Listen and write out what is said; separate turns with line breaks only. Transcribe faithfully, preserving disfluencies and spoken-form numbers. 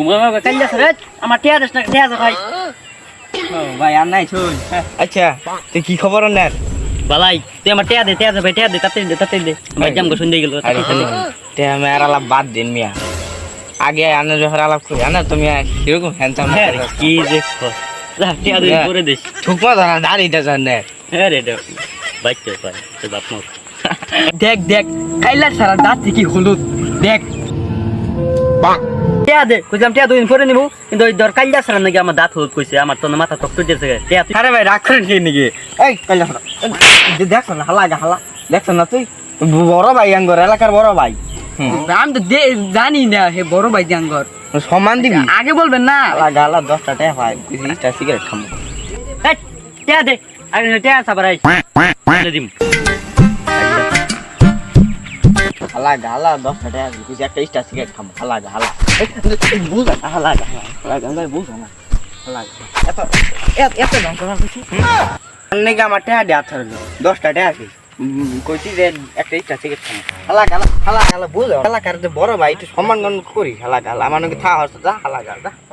কাইলা রে আমার টিয়া দেশ না টিয়া যা ভাই
ও ভাই আর নাই শুন আচ্ছা তুই কি খবর নেন
বালাই তুই আমার টিয়া দে টিয়া দে ভাই টিয়া দে তাতে দে তাতে দে ভাই জাম গো শুন দিয়ে গেল
আরে তে আমি আর আলাপ বাদ দিন মিয়া আগে আনে যখন আলাপ করি না তুমি কিরকম হ্যান্ডসাম
কি দেখো যা টিয়া দে করে দিস
ঠুকমা ধরা দাঁড়িয়ে জানে
হ্যাঁ রে বাচ্চা পাই তোর বাপ মা
দেখ দেখ কাইলার সারা দাঁত কি হলুদ দেখ
টিয়া দে কইলাম টিয়া দুদিন পরে নিবো কিন্তু ওই দর কাইলা সারা নাকি আমার দাঁত হলুদ কইছে আমার তো মাথা টক টক দিয়েছে টিয়া
আরে ভাই রাগ করেন কি নাকি এই কাইলা সারা দেখছ না হালা হালা দেখছ না তুই বড় ভাই আঙ্গর এলাকার বড় ভাই
আমি তো জানি না হে বড় ভাই জাঙ্গর
সমান দিবি
আগে বলবেন না
হালা গালা দশটা টাকা পাই বিশটা সিগারেট খাবো
এই টিয়া দে আরে টিয়া সাবারাই দিম
হালা গালা দশটা টাকা দিবি একটা স্টার সিগারেট খাবো হালা গালা বুঝ না হালা গালা হালা গালা বুঝ না হালা এত এত দাম করা কিছু নাকি আমার টাকা দেওয়া থাকলো দশটা টাকা কি কইছি যে একটা স্টার সিগারেট খাবো হালা গালা হালা গালা বুঝ হালা কার বড় ভাই একটু সম্মান করি হালা গালা আমার নাকি থা হচ্ছে যা হালা গালা